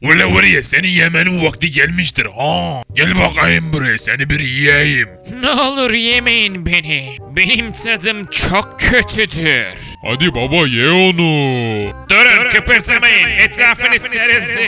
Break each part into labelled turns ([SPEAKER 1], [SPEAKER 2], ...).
[SPEAKER 1] Ula var ya seni yemenin vakti gelmiştir ha. Gel bakayım buraya seni bir yiyeyim.
[SPEAKER 2] Ne olur yemeyin beni. Benim tadım çok kötüdür.
[SPEAKER 3] Hadi baba ye onu.
[SPEAKER 2] Durun kıpırdamayın. Etrafınız sarıldı.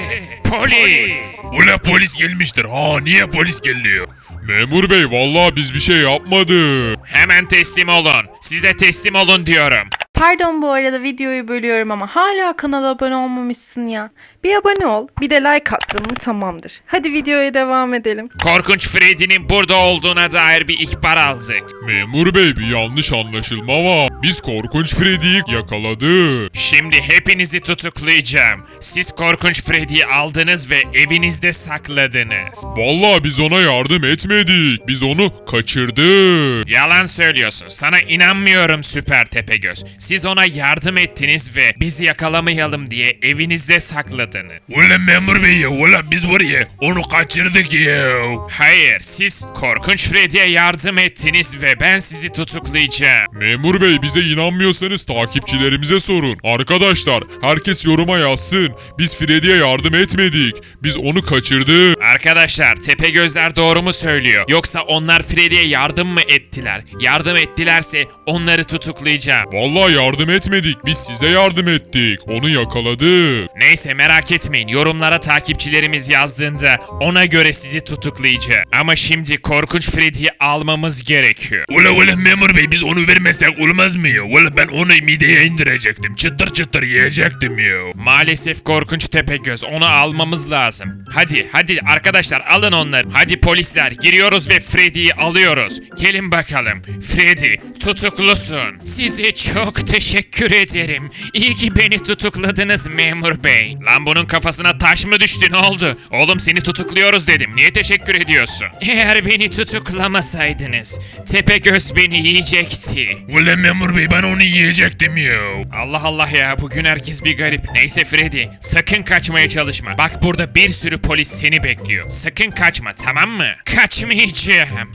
[SPEAKER 2] Polis.
[SPEAKER 1] Ula polis gelmiştir ha. Niye polis geliyor?
[SPEAKER 3] Memur bey vallahi biz bir şey yapmadık.
[SPEAKER 2] Hemen teslim olun. Size teslim olun diyorum.
[SPEAKER 4] Pardon bu arada videoyu bölüyorum ama hala kanala abone olmamışsın ya. Bir abone ol, bir de like attın mı tamamdır. Hadi videoya devam edelim.
[SPEAKER 2] Korkunç Freddy'nin burada olduğuna dair bir ihbar aldık.
[SPEAKER 3] Memur bey bir yanlış anlaşılma var. Biz korkunç Freddy'yi yakaladık.
[SPEAKER 2] Şimdi hepinizi tutuklayacağım. Siz Korkunç Freddy'yi aldınız ve evinizde sakladınız.
[SPEAKER 3] Vallahi biz ona yardım etmedik. Biz onu kaçırdık.
[SPEAKER 2] Yalan söylüyorsun. Sana inanmıyorum Süper Tepegöz. Siz ona yardım ettiniz ve bizi yakalamayalım diye evinizde sakladınız.
[SPEAKER 1] Ula memur bey ya. Ula biz var ya onu kaçırdık ya.
[SPEAKER 2] Hayır, siz Korkunç Freddy'ye yardım ettiniz ve ben sizi tutuklayacağım.
[SPEAKER 3] Memur bey bize inanmıyorsanız takipçilerimize sorun. Arkadaşlar herkes yoruma yazsın. Biz Freddy'ye yardım etmedik. Biz onu kaçırdık.
[SPEAKER 2] Arkadaşlar Tepegözler doğru mu söylüyor? Yoksa onlar Freddy'ye yardım mı ettiler? Yardım ettilerse onları tutuklayacağım.
[SPEAKER 3] Vallahi yardım etmedik. Biz size yardım ettik. Onu yakaladık.
[SPEAKER 2] Neyse merak etmeyin. Yorumlara takipçilerimiz yazdığında ona göre sizi tutuklayacağım. Ama şimdi Korkunç Freddy'yi almamız gerekiyor.
[SPEAKER 1] Ula memur bey biz onu vermezsek olmaz mı ya? Ula ben onu mideye indirecektim. Çıtır çıtır yiyecektim ya.
[SPEAKER 2] Maalesef Korkunç Tepegöz, onu almamız lazım. Hadi arkadaşlar alın onları. Hadi polisler giriyoruz ve Freddy'yi alıyoruz. Gelin bakalım. Freddy tutuklusun. Size çok teşekkür ederim. İyi ki beni tutukladınız memur bey. Lan bunun kafasına taş mı düştü, ne oldu? Oğlum seni tutukluyoruz dedim. Niye teşekkür ediyorsun? Eğer beni tutuklamasaydınız Tepegöz beni yiyecekti.
[SPEAKER 1] Ula memur bey ben onu yiyecektim ya.
[SPEAKER 2] Allah Allah ya, bugün herkes bir garip. Neyse Freddy, sakın kaçmaya çalışma. Bak burada bir sürü polis seni bekliyor. Sakın kaçma, tamam mı? Kaçmayacağım.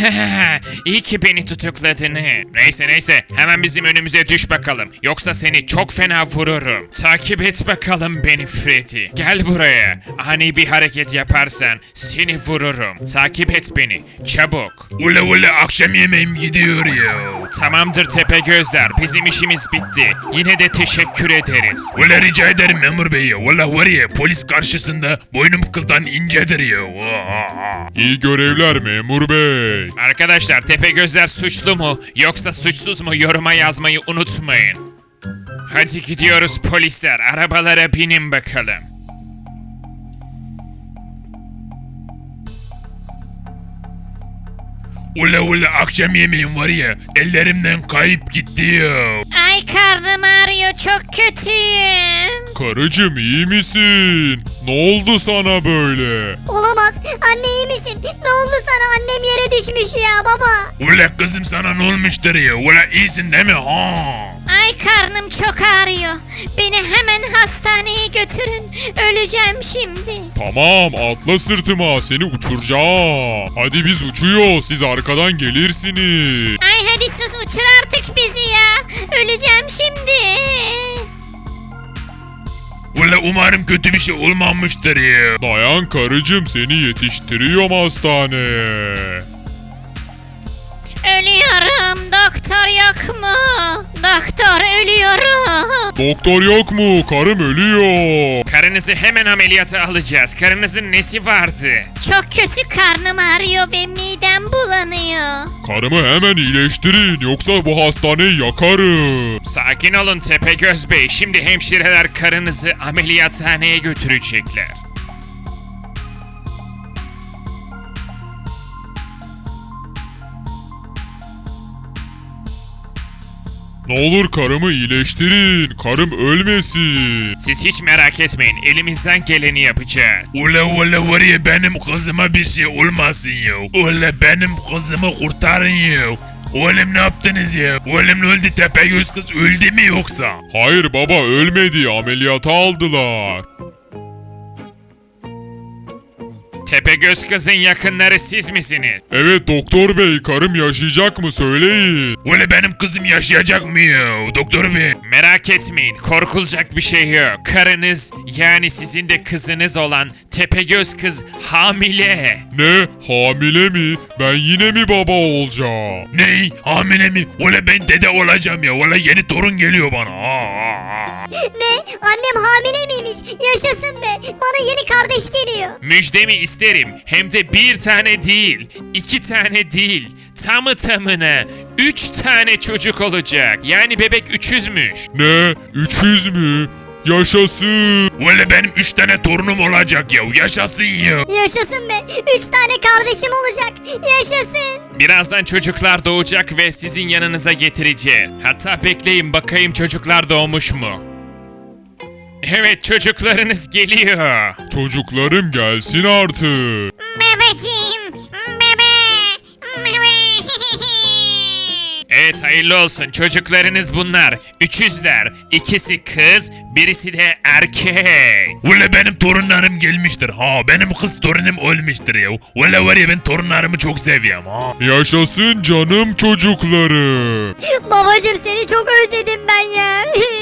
[SPEAKER 2] İyi ki beni tutukladın. Neyse hemen bizim önümüze düş bakalım. Yoksa seni çok fena vururum. Takip et bakalım beni Freddy. Gel buraya. Ani bir hareket yaparsan seni vururum. Takip et beni. Çabuk.
[SPEAKER 1] Ula akşam yemeğim gidiyor ya.
[SPEAKER 2] Tamamdır Tepegözler, bizim işimiz bitti. Yine de teşekkür ederiz.
[SPEAKER 1] Ula rica ederim memur bey ya. Ula var ya polis karşısında boynum kıldan incedir ya.
[SPEAKER 3] İyi görevler memur bey.
[SPEAKER 2] Arkadaşlar Tepegözler suçlu mu yoksa suçsuz mu yoruma yazmayı unutmayın. Hadi gidiyoruz polisler, arabalara binin bakalım.
[SPEAKER 1] Ula akşam yemeğim var ya ellerimden kayıp gitti ya.
[SPEAKER 5] Ay karnım ağrıyor, çok kötüyüm.
[SPEAKER 3] Karıcığım iyi misin? Ne oldu sana böyle?
[SPEAKER 5] Olamaz. Anne iyi misin? Ne oldu sana? Annem yere düşmüş ya baba.
[SPEAKER 1] Ula kızım sana ne olmuştur ya? Ula iyisin değil mi ha?
[SPEAKER 5] Ay karnım çok ağrıyor. Beni hemen hastaneye götürün. Öleceğim şimdi.
[SPEAKER 3] Tamam atla sırtıma seni uçuracağım. Hadi biz uçuyor siz arkadan gelirsiniz.
[SPEAKER 5] Ay hadi sus, uçur artık bizi ya. Öleceğim şimdi.
[SPEAKER 1] Ula umarım kötü bir şey olmamıştır ya.
[SPEAKER 3] Dayan karıcığım seni yetiştiriyorum hastaneye.
[SPEAKER 5] Ölüyorum. Doktor yok mu? Doktor ölüyorum.
[SPEAKER 3] Doktor yok mu? Karım ölüyor.
[SPEAKER 2] Karınızı hemen ameliyata alacağız. Karınızın nesi vardı?
[SPEAKER 5] Çok kötü karnım ağrıyor ve midem bulanıyor.
[SPEAKER 3] Karımı hemen iyileştirin yoksa bu hastaneyi yakarım.
[SPEAKER 2] Sakin olun Tepegöz Bey. Şimdi hemşireler karınızı ameliyathaneye götürecekler.
[SPEAKER 3] Ne olur karımı iyileştirin. Karım ölmesin.
[SPEAKER 2] Siz hiç merak etmeyin. Elimizden geleni yapacağız.
[SPEAKER 1] Ula var ya benim kızıma bir şey olmasın ya. Ula benim kızımı kurtarın ya. Oğlum ne yaptınız ya? Oğlum ne öldü, Tepegöz kız öldü mü yoksa?
[SPEAKER 3] Hayır baba ölmedi. Ameliyata aldılar.
[SPEAKER 2] Tepegöz kızın yakınları siz misiniz?
[SPEAKER 3] Evet doktor bey, karım yaşayacak mı söyleyin.
[SPEAKER 1] Öyle benim kızım yaşayacak mı ya doktor bey?
[SPEAKER 2] Merak etmeyin, korkulacak bir şey yok. Karınız, yani sizin de kızınız olan Tepegöz kız hamile.
[SPEAKER 3] Ne? Hamile mi? Ben yine mi baba olacağım?
[SPEAKER 1] Ney? Hamile mi? Öyle ben dede olacağım ya. Öyle yeni torun geliyor bana.
[SPEAKER 5] Ne? Annem hamile miymiş? Yaşasın be. Bana yeni kardeş geliyor.
[SPEAKER 2] Müjdemi isterim. Hem de bir tane değil, 2 tane değil. Tamı tamına 3 tane çocuk olacak. Yani bebek 300'müş.
[SPEAKER 3] Ne? 300 mü? Yaşasın.
[SPEAKER 1] Öyle benim 3 tane torunum olacak ya. Yaşasın ya.
[SPEAKER 5] Yaşasın be. 3 tane kardeşim olacak. Yaşasın.
[SPEAKER 2] Birazdan çocuklar doğacak ve sizin yanınıza getireceğim. Hatta bekleyin bakayım çocuklar doğmuş mu? Evet, çocuklarınız geliyor.
[SPEAKER 3] Çocuklarım gelsin artık.
[SPEAKER 5] Bebeciğim. Bebe.
[SPEAKER 2] Evet, hayırlı olsun, çocuklarınız bunlar. 300'ler. İkisi kız, birisi de erkek.
[SPEAKER 1] Öyle benim torunlarım gelmiştir. Benim kız torunum ölmüştür ya. Öyle var ya ben torunlarımı çok seviyorum.
[SPEAKER 3] Yaşasın canım çocuklarım.
[SPEAKER 5] Babacım seni çok özledim ben ya.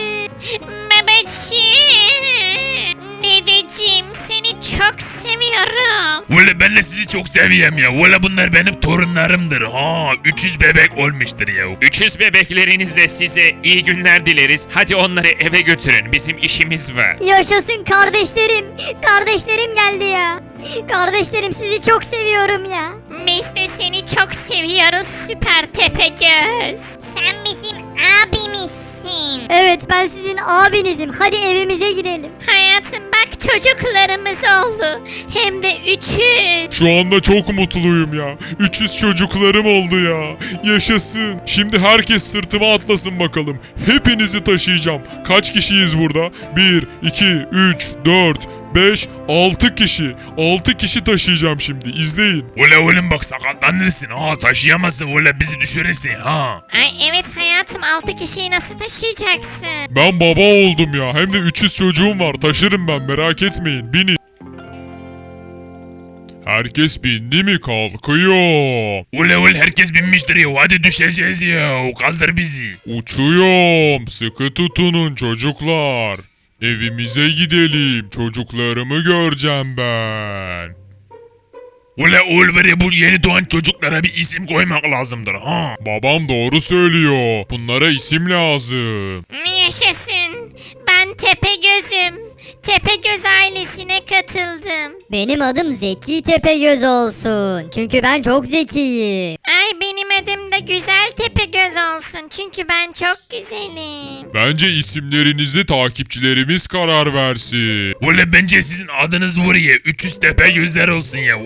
[SPEAKER 5] Bebeciğim. Dedeciğim seni çok seviyorum.
[SPEAKER 1] Öyle ben de sizi çok seviyorum ya. Öyle bunlar benim torunlarımdır. 300 bebek olmuştur ya.
[SPEAKER 2] 300 bebeklerinizle size iyi günler dileriz. Hadi onları eve götürün, bizim işimiz var.
[SPEAKER 5] Yaşasın kardeşlerim. Kardeşlerim geldi ya. Kardeşlerim sizi çok seviyorum ya. Biz de seni çok seviyoruz Süper Tepegöz. Sen bizim abimizsin. Evet ben sizin abinizim. Hadi evimize gidelim. Hayatım bak çocuklarımız oldu. Hem de 300.
[SPEAKER 3] Şu anda çok mutluyum ya. 300 çocuklarım oldu ya. Yaşasın. Şimdi herkes sırtıma atlasın bakalım. Hepinizi taşıyacağım. Kaç kişiyiz burada? 1, 2, 3, 4, 5, 6 kişi. 6 kişi taşıyacağım şimdi. İzleyin.
[SPEAKER 1] Öyle oğlum bak sakatlanırsın. Taşıyamazsın. Öyle bizi düşürürsün.
[SPEAKER 5] Ay evet hayatım 6 kişiyi nasıl taşıyacaksın?
[SPEAKER 3] Ben baba oldum ya. Hem de 300 çocuğum var. Taşırım ben, merak etmeyin. Binin. Herkes bindi mi kalkıyor.
[SPEAKER 1] Öyle herkes binmiştir ya. Hadi düşeceğiz ya. Kaldır bizi.
[SPEAKER 3] Uçuyorum. Sıkı tutunun çocuklar. Evimize gidelim. Çocuklarımı göreceğim ben.
[SPEAKER 1] Öyle oğul var ya, bu yeni doğan çocuklara bir isim koymak lazımdır.
[SPEAKER 3] Babam doğru söylüyor. Bunlara isim lazım.
[SPEAKER 5] Yaşasın. Ben Tepegöz'üm. Tepegöz ailesine katıldım.
[SPEAKER 6] Benim adım Zeki Tepegöz olsun. Çünkü ben çok zekiyim.
[SPEAKER 5] Ay benim adım da Güzel Tepegöz olsun. Çünkü ben çok güzelim.
[SPEAKER 3] Bence isimlerinizi takipçilerimiz karar versin.
[SPEAKER 1] Öyle bence sizin adınız var ya. 300 tepe gözler olsun ya.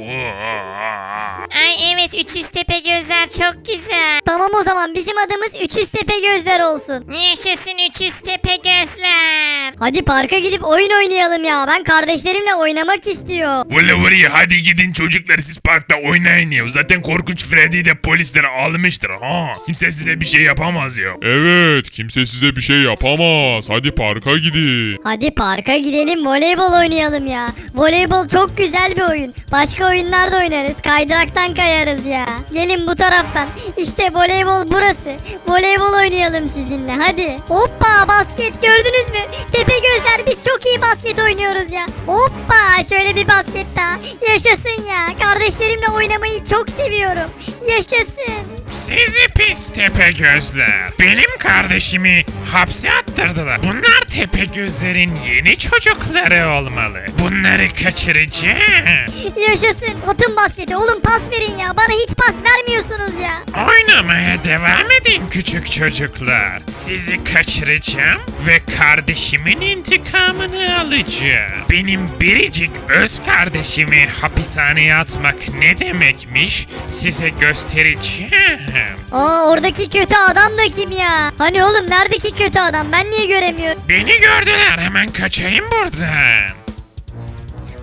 [SPEAKER 5] Ay evet 300 Tepegözler çok güzel.
[SPEAKER 6] Tamam o zaman bizim adımız 300 Tepegözler olsun.
[SPEAKER 5] Yaşasın 300 Tepegözler.
[SPEAKER 6] Hadi parka gidip oyun oynayalım ya. Ben kardeşlerimle oynamak istiyorum.
[SPEAKER 1] Öyle var ya, hadi gidin çocuklar siz parkta oynayın ya. Zaten korkunç Freddy de polisler almıştır. Kimse size bir şey yapamaz ya.
[SPEAKER 3] Evet, kimse size bir şey yapamaz. Hadi parka gidin.
[SPEAKER 6] Hadi parka gidelim voleybol oynayalım ya. Voleybol çok güzel bir oyun. Başka oyunlar da oynarız. Kaydıraktan kayarız ya. Gelin bu taraftan. İşte voleybol burası. Voleybol oynayalım sizinle hadi. Hoppa basket gördünüz mü? Tepegözler biz çok iyi basket oynuyoruz ya. Hoppa şöyle bir basket daha. Yaşasın ya. Kardeşlerimle oynamayı çok seviyorum. Yaşasın.
[SPEAKER 2] Sizi pis Tepegözler. Benim kardeşimi hapse attırdılar. Bunlar Tepegözlerin yeni çocukları olmalı. Bunları kaçıracağım.
[SPEAKER 6] Yaşasın. Atın basketi. Oğlum pas verin ya. Bana hiç pas vermiyorsunuz ya.
[SPEAKER 2] Oynamaya devam edin küçük çocuklar. Sizi kaçıracağım ve kardeşimin intikamını alacağım. Benim biricik öz kardeşimi hapishaneye atmak ne demekmiş size göstereceğim.
[SPEAKER 6] Oradaki kötü adam da kim ya? Hani oğlum neredeki kötü adam? Ben niye göremiyorum?
[SPEAKER 2] Beni gördüler, hemen kaçayım buradan.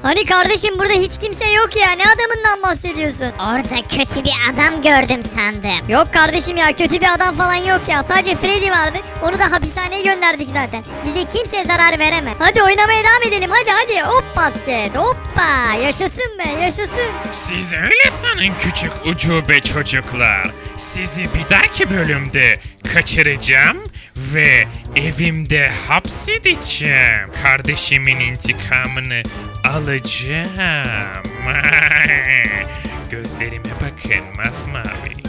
[SPEAKER 6] Hani kardeşim burada hiç kimse yok ya. Ne adamından bahsediyorsun?
[SPEAKER 5] Orada kötü bir adam gördüm sandım.
[SPEAKER 6] Yok kardeşim ya, kötü bir adam falan yok ya. Sadece Freddy vardı. Onu da hapishaneye gönderdik zaten. Bize kimse zarar veremez. Hadi oynamaya devam edelim. Hadi. Hop basket. Hoppa. Yaşasın be, yaşasın.
[SPEAKER 2] Siz öyle sanın küçük ucube çocuklar. Sizi bir dahaki bölümde kaçıracağım ve evimde hapsedeceğim. Kardeşimin intikamını alacağım. Gözlerime bakın masmavi.